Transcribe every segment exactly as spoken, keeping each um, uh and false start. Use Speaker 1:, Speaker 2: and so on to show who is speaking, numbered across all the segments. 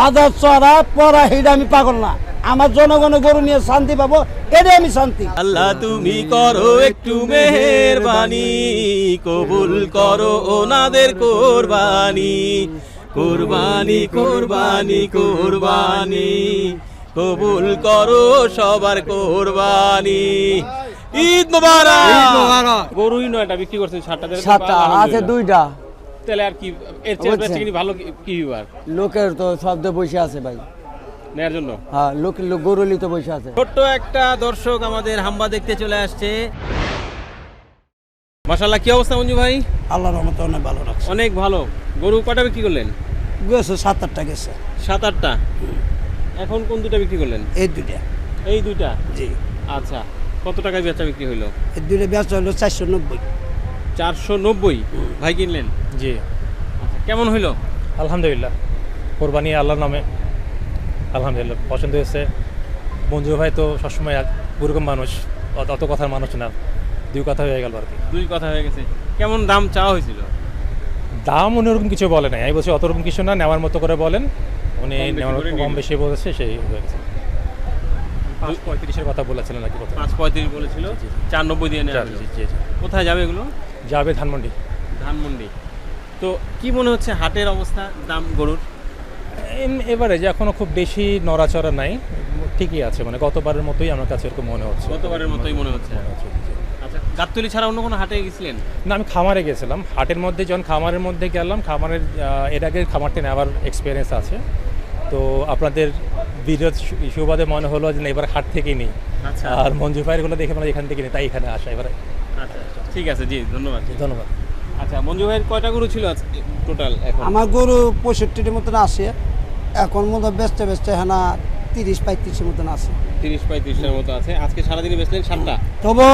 Speaker 1: বাজার চড়া পড়া হেডা আমি পাগল না। আমার জনগণ গরু নিয়ে শান্তি পাবো, এটাই আমি শান্তি।
Speaker 2: আল্লাহ তুমি করো একটু মেহেরবানি, কবুল করো ওনাদের কোরবানি, কোরবানি কোরবানি কোরবানি, কবুল করো সবার কোরবানি। ঈদ মোবারক। গরুই নয়টা বিক্রি করছেন, সাতটা
Speaker 3: সাতটা আছে দুইটা।
Speaker 2: তাহলে আর কি এর চেয়ে বেশি কি ভালো কি আর
Speaker 3: লোকের তো শব্দ বসে আছে ভাই
Speaker 2: নেয়ার জন্য।
Speaker 3: হ্যাঁ, লোক লোক গরু লিতে বসে আছে।
Speaker 2: ছোট্ট একটা দর্শক আমাদের হাম্বা দেখতে চলে আসছে। মাশাআল্লাহ, কি অবস্থা মঞ্জু ভাই?
Speaker 1: আল্লাহর রহমতে অনেক ভালো রাখছে।
Speaker 2: অনেক ভালো। গরু কটা বিক্রি করলেন?
Speaker 1: গেছে সাত আটটা গেছে।
Speaker 2: সাত আটটা। এখন কোন দুটা বিক্রি করলেন?
Speaker 1: এই দুইটা।
Speaker 2: এই দুইটা?
Speaker 1: জি।
Speaker 2: আচ্ছা, কত টাকায় বেচা বিক্রি হইলো?
Speaker 1: এই দুইটা বেচা হলো চারশো নব্বই।
Speaker 2: চারশো নব্বই ভাই কিনলেন?
Speaker 4: জি।
Speaker 2: আচ্ছা, কেমন হইলো?
Speaker 4: আলহামদুলিল্লাহ, কোরবানি আল্লাহর নামে, আলহামদুলিল্লাহ পছন্দ হয়েছে। মঞ্জু ভাই তো সবসময় ওরকম মানুষ, অত অত কথার মানুষ না, দুই কথা হয়ে গেল আর কি।
Speaker 2: দুই কথা হয়ে গেছে। কেমন দাম চাওয়া হয়েছিল?
Speaker 4: দাম উনি ওরকম কিছু বলে নাই, আমি বলছি অত রকম কিছু না, নেওয়ার মতো করে বলেন। উনি
Speaker 2: কম বেশি
Speaker 4: নেওয়ার
Speaker 2: করে
Speaker 4: কম
Speaker 2: নিল।
Speaker 4: বেশি বলেছে, সেই হয়ে গেছে। পাঁচ পঁয়ত্রিশের কথা বলেছিলেন নাকি কথা?
Speaker 2: পাঁচ পঁয়ত্রিশ বলেছিল,
Speaker 4: জি, জি।
Speaker 2: চার নব্বই দিয়ে নেওয়া
Speaker 4: জি
Speaker 2: হলো।
Speaker 4: জি জি।
Speaker 2: কোথায় যাবে এগুলো?
Speaker 4: যাবে ধানমন্ডি।
Speaker 2: ধানমন্ডি। তো কি মনে হচ্ছে হাটের অবস্থা, দাম গরুর?
Speaker 4: এম- এবারে যে এখনো খুব বেশি নড়াচড়া নাই, ঠিকই আছে, মানে গতবারের মতোই আমার কাছে এরকম মনে হচ্ছে।
Speaker 2: গতবারের মতোই মনে হচ্ছে।
Speaker 4: মনে হচ্ছে, জি।
Speaker 2: আচ্ছা, গাবতলী ছাড়া অন্য কোনো হাটে গেছিলেন?
Speaker 4: না, আমি খামারে গেছিলাম। হাটের মধ্যে যখন খামারের মধ্যে গেলাম, খামারের আহ, এর আগে খামারটা নেওয়ার এক্সপিরিয়েন্স আছে, তো আপনাদের ভিডিও সুবাদে মনে হলো যে না, এবার হাট থেকেই নেই।
Speaker 2: আচ্ছা।
Speaker 4: আর মঞ্জু ভাইয়েরগুলো দেখে মানে এখান থেকে নেই, তাই এখানে আসা এবারে।
Speaker 2: আচ্ছা, ঠিক আছে, জি ধন্যবাদ।
Speaker 4: ধন্যবাদ।
Speaker 2: আচ্ছা, মঞ্জু ভাইয়ের কয়টা গরু ছিল টোটাল এখন?
Speaker 1: আমার গরু পঁয়ষট্টির মতন আছে এখন, মতো বেচতে বেচতে হ্যাঁ তিরিশ পঁয়ত্রিশের মতন আছে।
Speaker 2: তিরিশ পঁয়ত্রিশটার মতো আছে। আজকে সারাদিনে বেচলেন সাতটা।
Speaker 1: তবু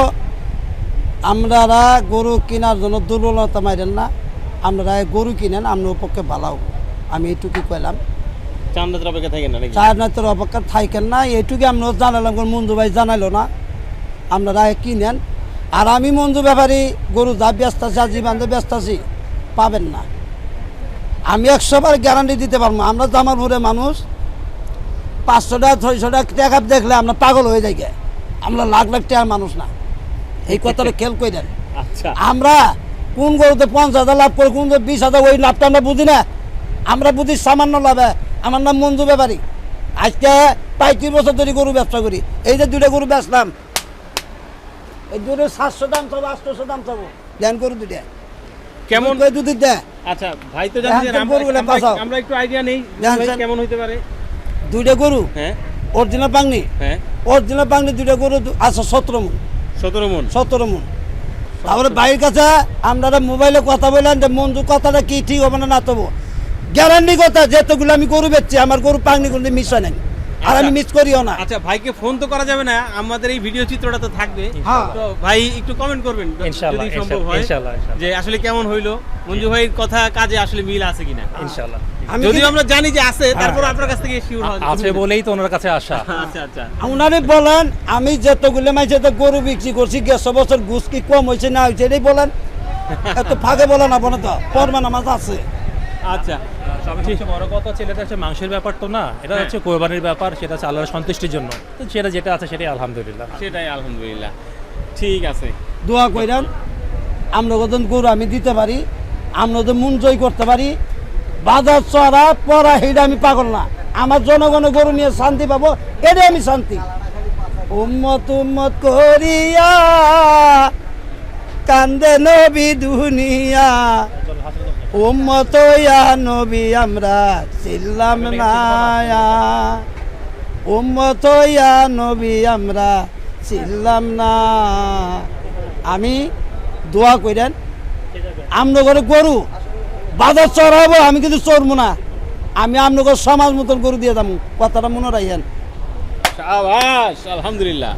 Speaker 1: আপনারা গরু কেনার জন্য দুর্বলতা মাইরেন না, আপনারা গরু কিনেন, আপনার পক্ষে ভালো। আমি এইটুকুই কইলাম,
Speaker 2: চান্দার অপেক্ষা থাকেন না নাকি?
Speaker 1: চার নাচের অপেক্ষা থাকেন না, এইটুকু আপনার জানালাম। মঞ্জু ভাই জানাইলো না, আপনারা কিনেন। আর আমি মঞ্জু ব্যাপারী গরু যা ব্যস্ত আছি, আজি বান্ধে ব্যস্ত আছি, পাবেন না। আমি একশো বার গ্যারান্টি দিতে পারবো। আমরা জামালপুরে মানুষ, পাঁচশো টাকা ছয়শো টাকা টাকা দেখলে আমরা পাগল হয়ে যাই গে। আমরা লাখ লাখ টাকার মানুষ না, এই কথাটা খেয়াল করে দেন।
Speaker 2: আচ্ছা,
Speaker 1: আমরা কোন গরুতে পঞ্চাশ হাজার লাভ করি, কোন বিশ হাজার, ওই লাভটা আমরা বুঝি না। আমরা বুঝি সামান্য লাভে। আমার নাম মঞ্জু ব্যাপারী, আজকে পঁয়ত্রিশ বছর ধরে গরু ব্যবসা করি। এই যে দুটো গরু বেচলাম, এই দুটো সাতশো দাম চাবো, আটশোশো দাম চাবো, দেন গরু দুটা
Speaker 2: কেমন?
Speaker 1: কই দুধ দেয়।
Speaker 2: আচ্ছা, ভাই তো জানেন
Speaker 1: এখন গরুগুলা বাঁচাও।
Speaker 2: আমরা একটু আইডিয়া নেই
Speaker 1: জানেন,
Speaker 2: ভাই
Speaker 1: জানেন।
Speaker 2: কেমন হইতে পারে।
Speaker 1: দুইটা গরু
Speaker 2: হ্যাঁ
Speaker 1: অরিজিনাল পাংনি,
Speaker 2: হ্যাঁ
Speaker 1: অরিজিনাল পাংনি দুইটা গরু আছে সতেরো মন।
Speaker 2: সতেরো মন।
Speaker 1: সতেরো মন। তারপরে বাইরের কাছে আপনারা মোবাইলে কথা বললেন যে মঞ্জু কথাটা কি ঠিক হবে না, না তবু গ্যারান্টি কথা, যেতগুলো আমি গরু বেচছি আমার গরু পাংনি কোনো মিস হয় নাই, আর আমি মিস করিও না।
Speaker 2: আচ্ছা, ভাইকে ফোন তো করা যাবে না, আমাদের এই ভিডিও চিত্রটা তো থাকবে।
Speaker 1: হ্যাঁ।
Speaker 2: তো ভাই একটু কমেন্ট করবেন
Speaker 4: ইনশাআল্লাহ,
Speaker 2: যদি সম্ভব হয়,
Speaker 4: ইনশাআল্লাহ, ইনশাআল্লাহ।
Speaker 2: যে আসলে কেমন হইলো, মঞ্জু ভাইয়ের কথা কাজে আসলে মিল আছে কিনা।
Speaker 4: ইনশাআল্লাহ
Speaker 1: আমি
Speaker 2: যদিও
Speaker 1: কি-
Speaker 2: আমরা জানি যে আছে, তারপর আপনার কাছ থেকে শিওর হওয়া
Speaker 4: আছে বলেই তো ওনার কাছে আসা।
Speaker 2: আচ্ছা আচ্ছা।
Speaker 1: উনারে বলেন আমি যতগুলো মাইছে তো গরু বিক্রি করছি, গেছো বছর ঘুষ কি কম হয়েছে না হয়েছে এটাই বলেন। এত ফাঁকে বলে না বলে তো পরমান আমার আছে।
Speaker 2: আচ্ছা,
Speaker 4: সবচেয়ে বড় কথা হচ্ছে এটা হচ্ছে মাংসের ব্যাপার তো না, এটা হচ্ছে কোরবানির ব্যাপার, সেটা হচ্ছে আল্লাহর সন্তুষ্টির জন্য, তো সেটা যেটা আছে সেটাই আলহামদুলিল্লাহ।
Speaker 2: সেটাই আলহামদুলিল্লাহ। ঠিক আছে,
Speaker 1: দোয়া কইরান আমরা কতজন গরু আমি দিতে পারি, আমরা তো মন জয় করতে পারি। বাজার চড়া পড়া হেডা আমি পাগল না। আমার জনগণ গরু নিয়ে শান্তি পাবো, এটাই আমি শান্তি। উম্মত উম্মত করিয়া কান্দে নবী দুনিয়া, উম্মত ইয়া নবী আমরা ছিলাম না, উম্মত ইয়া নবী আমরা ছিলাম না। আমি দোয়া করেন আমরা ঘরে গরু বাজার চড়াবো, আমি কিন্তু চড়বো না, আমি আপনাকে সমাজ মতন গরু দিয়ে যাবো, কথাটা মনে রাখেন।
Speaker 2: শাবাশ, আলহামদুলিল্লাহ।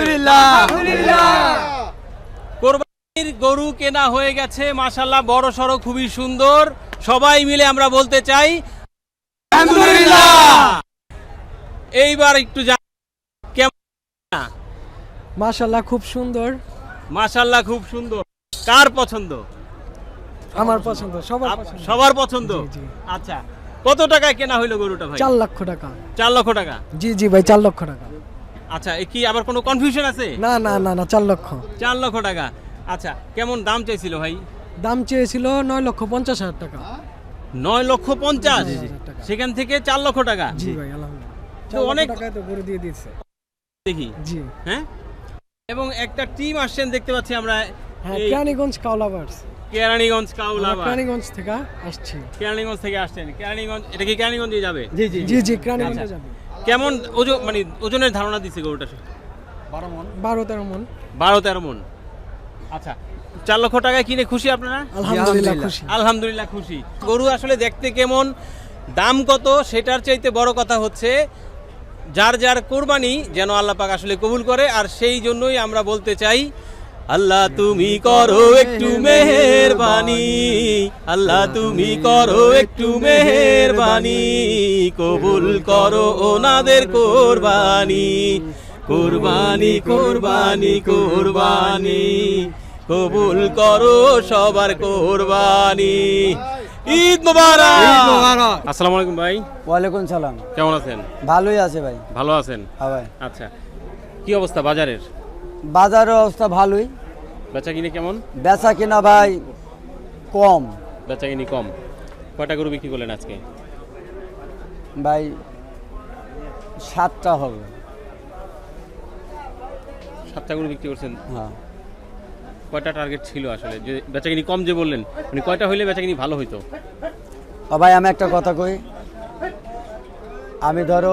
Speaker 2: কোরবানির গরু কেনা হয়ে গেছে, মাশাআল্লাহ, বড় সড়ো খুবই সুন্দর। সবাই মিলে আমরা বলতে চাই আলহামদুলিল্লাহ। এইবার একটু জান কেমন?
Speaker 5: মাশাআল্লাহ, খুব সুন্দর।
Speaker 2: মাশাআল্লাহ, খুব সুন্দর। কার পছন্দ?
Speaker 5: আমার পছন্দ, সবার
Speaker 2: আপ-
Speaker 5: পছন্দ।
Speaker 2: সবার পছন্দ।
Speaker 5: জি, জি।
Speaker 2: আচ্ছা, কত টাকায় কেনা হইলো গরুটা ভাই?
Speaker 5: চার লক্ষ টাকা।
Speaker 2: চার লক্ষ টাকা।
Speaker 5: জি জি ভাই, চার লক্ষ টাকা।
Speaker 2: আচ্ছা, এ কি আবার কোনো কনফিউশন আছে?
Speaker 5: না না না না, চার লক্ষ।
Speaker 2: চার লক্ষ টাকা। আচ্ছা, কেমন দাম চাইছিল ভাই?
Speaker 5: দাম চেয়েছিল নয় লক্ষ পঞ্চাশ হাজার টাকা।
Speaker 2: নয় লক্ষ পঞ্চাশ,
Speaker 5: জি, জি, টাকা।
Speaker 2: সেখান থেকে চার লক্ষ টাকা।
Speaker 5: জি ভাই, আলহামদুলিল্লাহ।
Speaker 2: তো
Speaker 5: চার লক্ষ
Speaker 2: অনেক-
Speaker 5: টাকায় তো গরু দিয়ে দিচ্ছে।
Speaker 2: দেখি,
Speaker 5: জি
Speaker 2: হ্যাঁ। এবং একটা টিম আসছেন দেখতে পাচ্ছি আমরা,
Speaker 5: হ্যাঁ,
Speaker 2: এই
Speaker 5: কেরানীগঞ্জ কাউলাবার্স।
Speaker 2: কেরানীগঞ্জ কাউলা।
Speaker 5: আমরা কেরানীগঞ্জ থেকে আসছি।
Speaker 2: কেরানীগঞ্জ থেকে আসছেন। কেরানীগঞ্জ, এটা কি কেরানীগঞ্জে যাবে?
Speaker 3: জি জি
Speaker 5: জি জি, কেরানীগঞ্জে
Speaker 2: আচ্ছা।
Speaker 5: যাবে।
Speaker 2: কেমন ওজন, মানে ওজনের ধারণা দিচ্ছে গরুটা?
Speaker 5: বারো তেরো মন।
Speaker 2: বারো তেরো মন। আচ্ছা, চার লক্ষ টাকায় কিনে খুশি আপনারা?
Speaker 5: আলহামদুলিল্লাহ খুশি।
Speaker 2: আলহামদুলিল্লাহ খুশি। গরু আসলে দেখতে কেমন, দাম কত, সেটার চাইতে বড় কথা হচ্ছে যার যার কোরবানি যেন আল্লাহ পাক আসলে কবুল করে। আর সেই জন্যই আমরা বলতে চাই, আল্লাহ তুমি করো একটু মেহেরবানি, আল্লাহ তুমি করো একটু মেহেরবানি, কবুল করো ওনাদের কোরবানি, কোরবানি কোরবানি কোরবানি, কবুল করো সবার কোরবানি। ঈদ মোবারক। আসসালামু আলাইকুম ভাই।
Speaker 3: ওয়ালাইকুম সালাম।
Speaker 2: কেমন আছেন?
Speaker 3: ভালোই আছে ভাই।
Speaker 2: ভালো আছেন?
Speaker 3: হ্যাঁ ভাই,
Speaker 2: আচ্ছা, কি অবস্থা বাজারের?
Speaker 3: বাজারের অবস্থা ভালোই,
Speaker 2: বেচা কিনে কেমন?
Speaker 3: বেচা কিনা ভাই কম
Speaker 2: বেচা কিনি কম। কয়টা গরু বিক্রি করলেন আজকে?
Speaker 3: ভাই, সাতটা হবে।
Speaker 2: সাতটা গরু বিক্রি করছেন।
Speaker 3: হ্যাঁ,
Speaker 2: কয়টা টার্গেট ছিল আসলে, যে বেচা কিনি কম যে বললেন, মানে কয়টা হইলে বেচা কিনি ভালো হইতো?
Speaker 3: ও ভাই আমি একটা কথা কই, আমি ধরো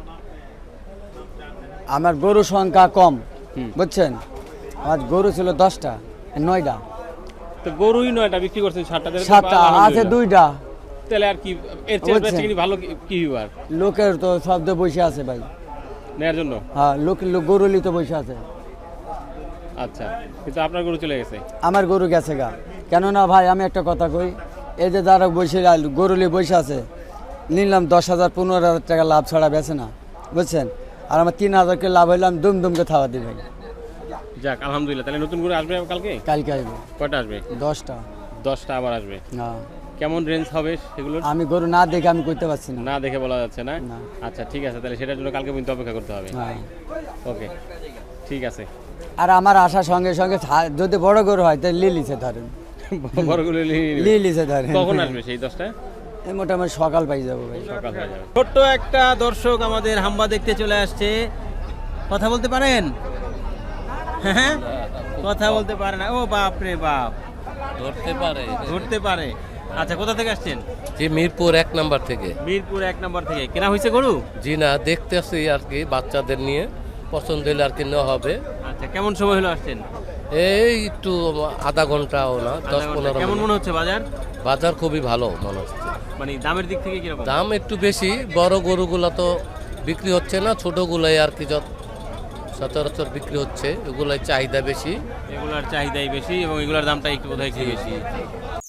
Speaker 3: আমার গরু সংখ্যা কম,
Speaker 2: হুম।
Speaker 3: বুঝছেন, আমার গরু ছিল দশটা, নয়টা,
Speaker 2: তো গরুই নয়টা বিক্রি করছেন, সাতটা দিলে তো
Speaker 3: সাতটা আছে
Speaker 2: আলহামদুলিল্লাহ।
Speaker 3: দুইটা।
Speaker 2: তাহলে আর কি, এর চেয়ে
Speaker 3: বুঝছেন।
Speaker 2: বেচা কিনি ভালো কি- কি হইব আর
Speaker 3: লোকের তো শব্দ বসে আছে ভাই।
Speaker 2: নেয়ার জন্য?
Speaker 3: হ্যাঁ, লোক লোক গরু তো বসে আছে।
Speaker 2: আচ্ছা, কিন্তু আপনার গরু চলে গেছে।
Speaker 3: আমার গরু গেছে গা, কেননা ভাই আমি একটা কথা কই, এই যে যারা বসে গরু নিয়ে বসে আছে, নিলাম দশ হাজার পনেরো হাজার টাকা লাভ ছাড়া বেছে না, বুঝছেন, আর আমার তিন হাজারকে লাভ হইলাম দুম দুমকে থাওয়া দিই ভাই।
Speaker 2: যাক আলহামদুলিল্লাহ। তাহলে নতুন গরু আসবে কালকে?
Speaker 3: কালকে আসবো
Speaker 2: কয়টা আসবে?
Speaker 3: দশটা।
Speaker 2: দশটা আবার আসবে।
Speaker 3: হ্যাঁ,
Speaker 2: কেমন রেঞ্জ হবে সেগুলোর?
Speaker 3: আমি গরু না দেখে আমি করতে পারছি না।
Speaker 2: না দেখে বলা যাচ্ছে না।
Speaker 3: না।
Speaker 2: আচ্ছা ঠিক আছে, তাহলে সেটার জন্য কালকে পর্যন্ত অপেক্ষা করতে হবে।
Speaker 3: হ্যাঁ,
Speaker 2: ওকে, ঠিক আছে।
Speaker 3: আর আমার আসার সঙ্গে সঙ্গে থা- যদি বড় গরু হয় তাহলে লিলিছে ধরেন,
Speaker 2: বড়গুলো নিয়ে নিবে।
Speaker 3: লিলিছে ধরেন।
Speaker 2: কখন আসবে সেই দশটা?
Speaker 3: এই মোটামুটি সকাল পাই যাবো ভাই।
Speaker 2: সকাল হয়ে যাবে। ছোট্ট একটা দর্শক আমাদের হাম্বা দেখতে চলে আসছে। কথা বলতে পারেন? হ্যাঁ, কথা বলতে পারে না। ও বাপ রে বাপ,
Speaker 6: ধরতে পারে
Speaker 2: ঘুরতে পারে। আচ্ছা, কোথা থেকে আসছেন?
Speaker 6: যে মিরপুর এক নাম্বার থেকে।
Speaker 2: মিরপুর এক নম্বর থেকে। কেনা হয়েছে গরু?
Speaker 6: জি না, দেখতে আসছি আর কি, বাচ্চাদের নিয়ে পছন্দ হলে আর কি নেওয়া হবে।
Speaker 2: আচ্ছা, কেমন সময় হলো আসছেন?
Speaker 6: এই একটু আধা ঘন্টাও না,
Speaker 2: আধা
Speaker 6: দশ
Speaker 2: ঘন্টা।
Speaker 6: পনেরো
Speaker 2: কেমন
Speaker 6: মিনিট।
Speaker 2: মনে হচ্ছে বাজার?
Speaker 6: বাজার খুবই ভালো মনে হচ্ছে।
Speaker 2: মানে দামের দিক থেকে কিরকম?
Speaker 6: দাম একটু বেশি, বড় গরুগুলো তো বিক্রি হচ্ছে না, ছোটগুলাই আর কি যত সচরাচর বিক্রি হচ্ছে, এগুলাই চাহিদা বেশি।
Speaker 2: এগুলার চাহিদাই বেশি এবং এগুলার দামটা একটু বোধহয় একটু বেশি।